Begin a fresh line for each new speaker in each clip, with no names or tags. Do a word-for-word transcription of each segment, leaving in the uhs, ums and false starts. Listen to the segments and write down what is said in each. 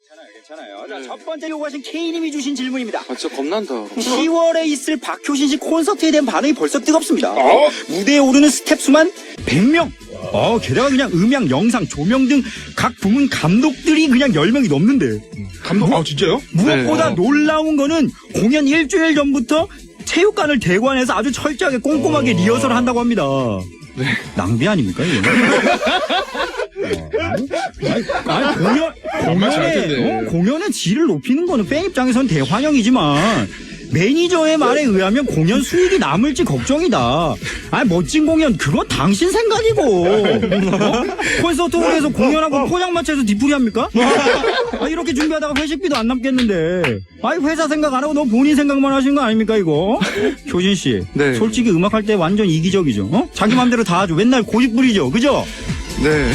괜찮아요. 자, 첫 번째 요구하신 K님이 주신 질문입니다.
아, 진짜 겁난다.
시월에 있을 박효신 씨 콘서트에 대한 반응이 벌써 뜨겁습니다. 어? 무대에 오르는 스텝 수만 백 명. 어, 게다가 그냥 음향, 영상, 조명 등 각 부문 감독들이 그냥 열 명이 넘는데.
감독, 아, 진짜요?
무엇보다
네.
놀라운 거는 공연 일주일 전부터 체육관을 대관해서 아주 철저하게 꼼꼼하게
어...
리허설을 한다고 합니다.
네.
낭비 아닙니까, 이거? 아니, 아니, 공연,
정말 잘
공연의,
텐데.
어, 공연의 질을 높이는 거는 팬 입장에서는 대환영이지만, 매니저의 말에 의하면 공연 수익이 남을지 걱정이다. 아, 멋진 공연, 그건 당신 생각이고. 어? 콘서트홀에서 공연하고 포장마차에서 뒤풀이 합니까? 아, 이렇게 준비하다가 회식비도 안 남겠는데. 아니, 회사 생각 안 하고 너 본인 생각만 하시는 거 아닙니까, 이거? 효신 씨.
네.
솔직히 음악할 때 완전 이기적이죠. 어? 자기 맘대로 다 하죠. 맨날 고집 부리죠. 그죠?
네.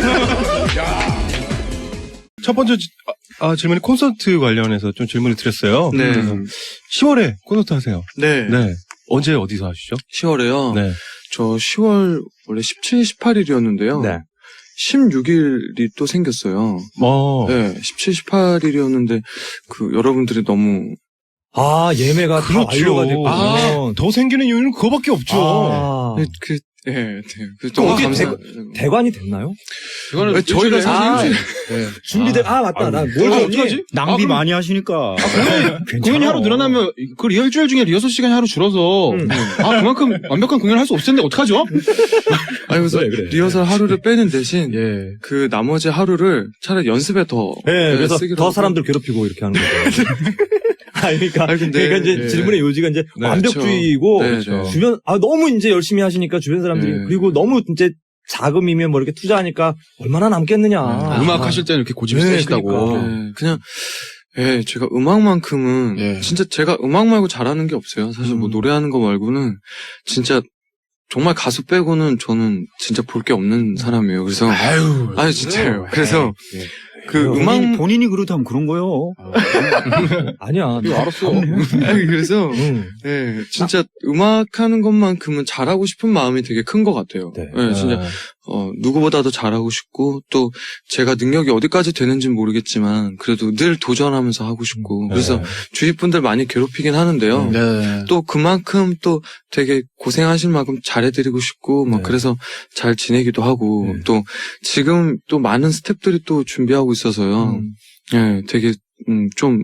첫 번째 지- 아, 아, 질문이 콘서트 관련해서 좀 질문을 드렸어요.
네.
그래서 시월에 콘서트 하세요.
네.
네. 언제 어디서 하시죠?
시월에요.
네.
저 시월 원래 십칠, 십팔 일이었는데요.
네.
십육 일이 또 생겼어요.
어.
네. 십칠, 십팔 일이었는데 그 여러분들이 너무
아, 예매가 다 완료가 됐군요.
아, 더 생기는 이유는 그거밖에 없죠.
아,
네, 그 예, 네, 그
또
너무
어디
감사.
대관이 됐나요?
이거는 네, 저희가 사실
아,
일주일-
네.
준비돼. 아, 맞다. 나 뭘
아,
줬니?
어떡하지?
낭비
아, 그럼-
많이 하시니까.
공연이 하루 늘어나면 그 일주일 중에 리허설 시간이 하루 줄어서
음.
아 그만큼 완벽한 공연을 할 수 없을 텐데 어떡하죠?
아니 그래서
그래, 그래.
리허설 하루를 빼는 대신
예.
그 나머지 하루를 차라리 연습에 더
네, 그래서
쓰기로
더
하고.
사람들 괴롭히고 이렇게 하는 거죠. 아니, 그러니까,
아니, 근데,
그러니까 이제
예.
질문의 요지가 이제
네,
완벽주의이고,
그렇죠. 네, 네.
주변, 아, 너무 이제 열심히 하시니까 주변 사람들이,
네.
그리고 너무 이제 자금이면 뭐 이렇게 투자하니까 얼마나 남겠느냐.
아, 음악 하실 때는 이렇게 고집이
네,
세시다고.
그러니까.
네, 그냥 예, 제가 음악만큼은
예.
진짜 제가 음악 말고 잘하는 게 없어요. 사실 뭐
음.
노래하는 거 말고는 진짜 정말 가수 빼고는 저는 진짜 볼 게 없는 사람이에요. 그래서
아유.
아니 진짜요. 그래서
예.
그
본인-
음악
본인이, 본인이 그렇다면 그런 거요.
아니야.
이거 알았어.
아니 그래서
응.
예, 진짜 음악하는 것만큼은 잘하고 싶은 마음이 되게 큰 것 같아요.
네.
예, 진짜 어, 누구보다도 잘하고 싶고, 또 제가 능력이 어디까지 되는지는 모르겠지만, 그래도 늘 도전하면서 하고 싶고, 그래서
네.
주위 분들 많이 괴롭히긴 하는데요.
네.
또 그만큼 또 되게 고생하실 만큼 잘해드리고 싶고, 막
네.
그래서 잘 지내기도 하고,
네.
또 지금 또 많은 스태프들이 또 준비하고 있어서요.
음.
예, 되게, 음, 좀,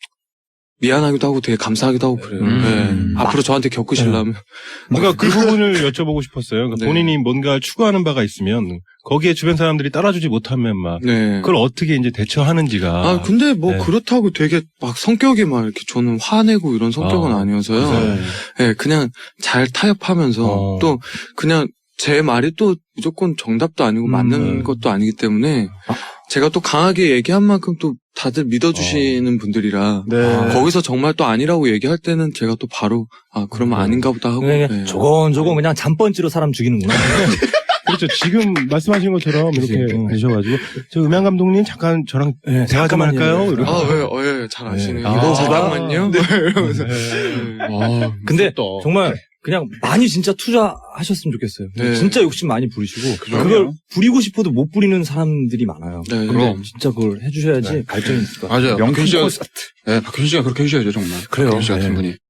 미안하기도 하고 되게 감사하기도 하고 그래요.
음.
예. 앞으로 저한테 겪으시려면.
뭔가 그 부분을 여쭤보고 싶었어요. 그러니까
네.
본인이 뭔가 추구하는 바가 있으면 거기에 주변 사람들이 따라주지 못하면 막
네.
그걸 어떻게 이제 대처하는지가.
아, 근데 뭐
네.
그렇다고 되게 막 성격이 막 이렇게 저는 화내고 이런 성격은
아,
아니어서요.
그래요?
예, 그냥 잘 타협하면서
어.
또 그냥 제 말이 또 무조건 정답도 아니고
음,
맞는
네.
것도 아니기 때문에 제가 또 강하게 얘기한 만큼 또 다들 믿어주시는 분들이라
네.
거기서 정말 또 아니라고 얘기할 때는 제가 또 바로 아 그러면
음.
아닌가 보다 하고
그냥
네.
조곤조곤 그냥 잠번지로 사람 죽이는구나.
그렇죠. 지금 말씀하신 것처럼 이렇게
그치. 어.
되셔가지고 저 음향 감독님 잠깐 저랑
네,
대화 좀
잠깐만요.
할까요? 이렇게.
아, 왜, 어, 예, 잘 아시네요.
네.
이거
아.
잠깐만요.
네.
이러면서.
네.
아,
근데
무섭다.
정말 그냥 많이 진짜 투자하셨으면 좋겠어요.
네.
진짜 욕심 많이 부리시고
그럼요.
그걸 부리고 싶어도 못 부리는 사람들이 많아요.
네.
근데 진짜 그걸 해주셔야지
네.
발전이 있을 것 같아요.
맞아요.
명품
박효신 씨가,
콘서트.
네, 박효신 씨가 그렇게 해주셔야죠, 정말.
그래요.
박효신 씨 같은
네.
분이.